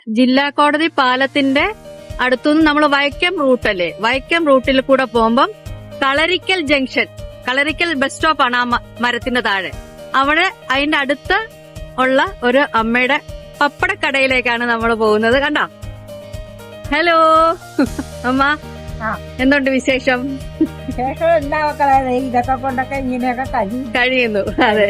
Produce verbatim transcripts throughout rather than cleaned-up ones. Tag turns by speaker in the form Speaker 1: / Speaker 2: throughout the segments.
Speaker 1: ജില്ലാ കോടതി പാലത്തിന്റെ അടുത്തുനിന്ന് നമ്മൾ വൈക്കം റൂട്ടല്ലേ, വൈക്കം റൂട്ടിൽ കൂടെ പോകുമ്പം കളരിക്കൽ ജംഗ്ഷൻ, കളരിക്കൽ ബസ് സ്റ്റോപ്പാണ് ആ മരത്തിന്റെ താഴെ. അവിടെ അതിന്റെ അടുത്ത് ഉള്ള ഒരു അമ്മയുടെ പപ്പടക്കടയിലേക്കാണ് നമ്മൾ പോകുന്നത്. കണ്ടോ? ഹലോ അമ്മ, എന്തുണ്ട് വിശേഷം?
Speaker 2: ശേഷം എന്താ മക്കളെ, ഇതൊക്കെ കൊണ്ടൊക്കെ ഇങ്ങനെയൊക്കെ കഴിയും
Speaker 1: കഴിയുന്നു. അതെ.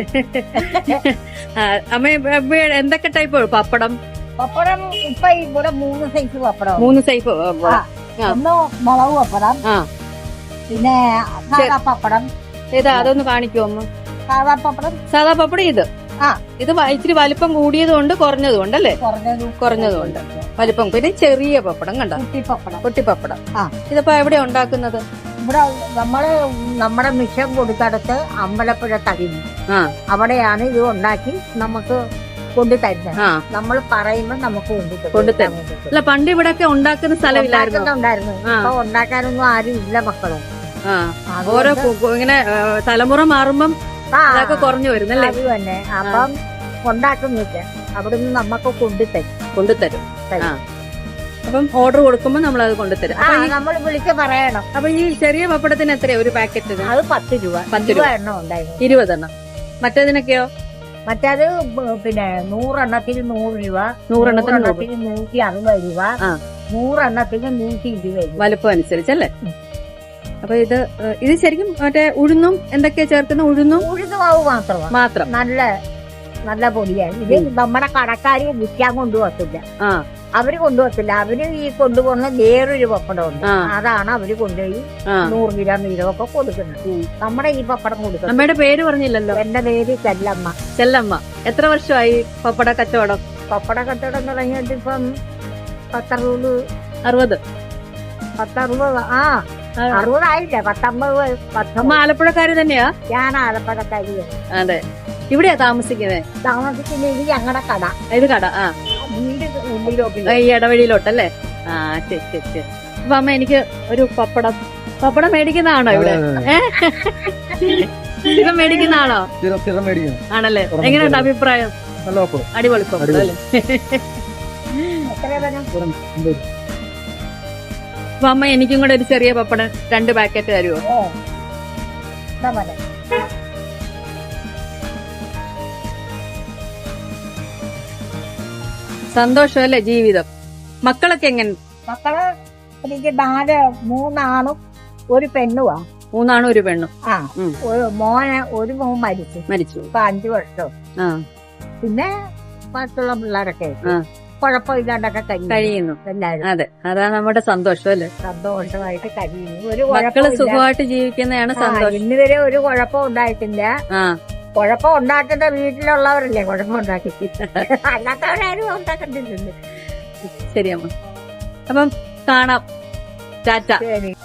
Speaker 1: അമ്മ എന്തൊക്കെ ടൈപ്പ് പപ്പടം?
Speaker 2: പപ്പടം ഇപ്പൊ ഇവിടെ മൂന്ന് സൈസ് പപ്പടം.
Speaker 1: മൂന്ന് സൈസ്
Speaker 2: ഒന്ന് മുളക് പപ്പടം, പിന്നെ സാധാ പപ്പടം.
Speaker 1: ഏതാ അതൊന്ന് കാണിക്കുമോ അമ്മ?
Speaker 2: സാധാ പപ്പടം.
Speaker 1: സാധാ പപ്പടം ഇത്. ആ ഇത് ഇച്ചിരി വലിപ്പം കൂടിയതുകൊണ്ട് കുറഞ്ഞതുകൊണ്ട് അല്ലേ? കുറഞ്ഞതുകൊണ്ട് വലിപ്പം. പിന്നെ ചെറിയ പപ്പടം കണ്ടോ?
Speaker 2: കുട്ടിപ്പപ്പടം.
Speaker 1: കുട്ടിപ്പപ്പടം.
Speaker 2: ആ
Speaker 1: ഇതിപ്പോ എവിടെയാ ഉണ്ടാക്കുന്നത്?
Speaker 2: ഇവിടെ നമ്മള് നമ്മുടെ മിഷൻ കൊടുത്തടുത്ത് അമ്പലപ്പുഴ തടിഞ്ഞു, അവിടെയാണ് ഇത് ഉണ്ടാക്കി നമുക്ക് കൊണ്ടു തരുന്നത്. നമ്മൾ പറയുമ്പോ നമുക്ക്
Speaker 1: കൊണ്ടുതരും. അല്ല പണ്ട് ഇവിടെയൊക്കെ ഉണ്ടാക്കുന്ന സ്ഥലമില്ലായിരുന്നു.
Speaker 2: ഉണ്ടായിരുന്നു. അപ്പൊ ഉണ്ടാക്കാനൊന്നും ആരും ഇല്ല മക്കളെ.
Speaker 1: ഓരോ ഇങ്ങനെ തലമുറ മാറുമ്പം അതൊക്കെ കുറഞ്ഞു വരുന്നല്ലേ?
Speaker 2: അത് തന്നെ. അപ്പം ഉണ്ടാക്കുന്നില്ല, അവിടുന്ന് നമുക്ക് കൊണ്ടുതരും.
Speaker 1: കൊണ്ടുതരും. അപ്പം ഓർഡർ കൊടുക്കുമ്പോ നമ്മൾ അത് കൊണ്ടുതരും.
Speaker 2: നമ്മൾ വിളിച്ച് പറയണം.
Speaker 1: അപ്പൊ ഈ ചെറിയ പപ്പടത്തിന് എത്രയാ ഒരു പാക്കറ്റ്?
Speaker 2: അത് പത്ത് രൂപ.
Speaker 1: പത്ത് രൂപ
Speaker 2: എണ്ണം ഉണ്ടായിരുന്നു.
Speaker 1: ഇരുപതെണ്ണം. മറ്റേതിനൊക്കെയോ?
Speaker 2: മറ്റേത് പിന്നെ നൂറെണ്ണത്തിന് നൂറ് രൂപ,
Speaker 1: നൂറെണ്ണത്തിന്
Speaker 2: നൂറ്റി അറുപത് രൂപ, നൂറെണ്ണത്തിന് നൂറ്റി ഇരുപത് രൂപ
Speaker 1: വലുപ്പം അനുസരിച്ചല്ലേ? അപ്പൊ ഇത് ഇത് ശരിക്കും മറ്റേ ഉഴുന്നും എന്തൊക്കെയാ ചേർക്കുന്ന? ഉഴുന്നും
Speaker 2: ഉഴുന്നുമാവ് മാത്രമാണ്.
Speaker 1: മാത്രം.
Speaker 2: നല്ല നല്ല പൊടിയാണ് ഇത്. നമ്മുടെ കടക്കാരി വിൽക്കാൻ കൊണ്ടുപോകത്തില്ല, അവര് കൊണ്ടുപോകത്തില്ല. അവര് ഈ കൊണ്ടുപോകുന്ന വേറൊരു പപ്പടമുണ്ട്, അതാണ് അവര് കൊണ്ടുപോയി നൂറ് ഗ്രാം വീതമൊക്കെ കൊടുക്കുന്നത്. നമ്മുടെ ഈ പപ്പടം കൊടുക്കുന്നത്.
Speaker 1: അമ്മയുടെ പേര് പറഞ്ഞില്ലല്ലോ.
Speaker 2: എന്റെ പേര് ചെല്ലമ്മ.
Speaker 1: ചെല്ലമ്മ. എത്ര വർഷമായി പപ്പട കച്ചവടം?
Speaker 2: പപ്പട കച്ചവടം തുടങ്ങിയിട്ട് ഇപ്പം പത്തറുപത്
Speaker 1: അറുപത്
Speaker 2: പത്തറുപത് ആ അറുപതായില്ല, പത്തൊമ്പത്.
Speaker 1: അമ്മ ആലപ്പുഴക്കാരി തന്നെയാ?
Speaker 2: ഞാൻ ആലപ്പുഴക്കാരി.
Speaker 1: അതെ. ഇവിടെയാ താമസിക്കുന്നത്?
Speaker 2: താമസിക്കുന്ന ഇത് ഞങ്ങളുടെ കട.
Speaker 1: ഇത് കട. ആ
Speaker 2: വീട് ഉള്ളിലോട്ട്,
Speaker 1: ഈ ഇടവഴിയിലോട്ടല്ലേ? ആ ശരി ശരി ശരി. അപ്പൊ അമ്മ എനിക്ക് ഒരു പപ്പടം പപ്പടം മേടിക്കുന്നതാണോ ഇവിടെ? സ്ഥിരം മേടിക്കുന്നതാണോ? ആണല്ലേ? എങ്ങനെയുണ്ട് അഭിപ്രായം? അടിപൊളി പപ്പടം അല്ലേ? അപ്പൊ അമ്മ എനിക്കും കൂടെ ഒരു ചെറിയ പപ്പടം രണ്ട് പാക്കറ്റ് തരുമോ? സന്തോഷമല്ലേ ജീവിതം? മക്കളൊക്കെ എങ്ങനെ?
Speaker 2: മക്കള് എനിക്ക് നാല് മൂന്നാണും ഒരു പെണ്ണുവാ.
Speaker 1: മൂന്നാണും ഒരു പെണ്ണും.
Speaker 2: ആ മോനെ ഒരു മോൻ മരിച്ചു
Speaker 1: മരിച്ചു
Speaker 2: ഇപ്പൊ അഞ്ചു വർഷം. പിന്നെ മറ്റുള്ള പിള്ളേരൊക്കെ കുഴപ്പമില്ലാണ്ടൊക്കെ കഴിയുന്നു എല്ലാരും.
Speaker 1: അതെ, അതാണ് നമ്മുടെ സന്തോഷം അല്ലേ?
Speaker 2: സന്തോഷമായിട്ട് കഴിയുന്നു. ഒരു
Speaker 1: മക്കള് സുഖമായിട്ട് ജീവിക്കുന്നതാണ് സന്തോഷം.
Speaker 2: ഇന്ന് വരെ ഒരു കുഴപ്പം ഉണ്ടായിട്ടില്ല. കുഴപ്പം ഉണ്ടാക്കേണ്ട വീട്ടിലുള്ളവരല്ലേ കുഴപ്പം ഉണ്ടാക്കി, അല്ലാത്തവരാരും ഉണ്ടാക്കണ്ടില്ലല്ലോ.
Speaker 1: ശരിയമ്മ. അപ്പം കാണാം. ടാറ്റ.
Speaker 2: ശരി.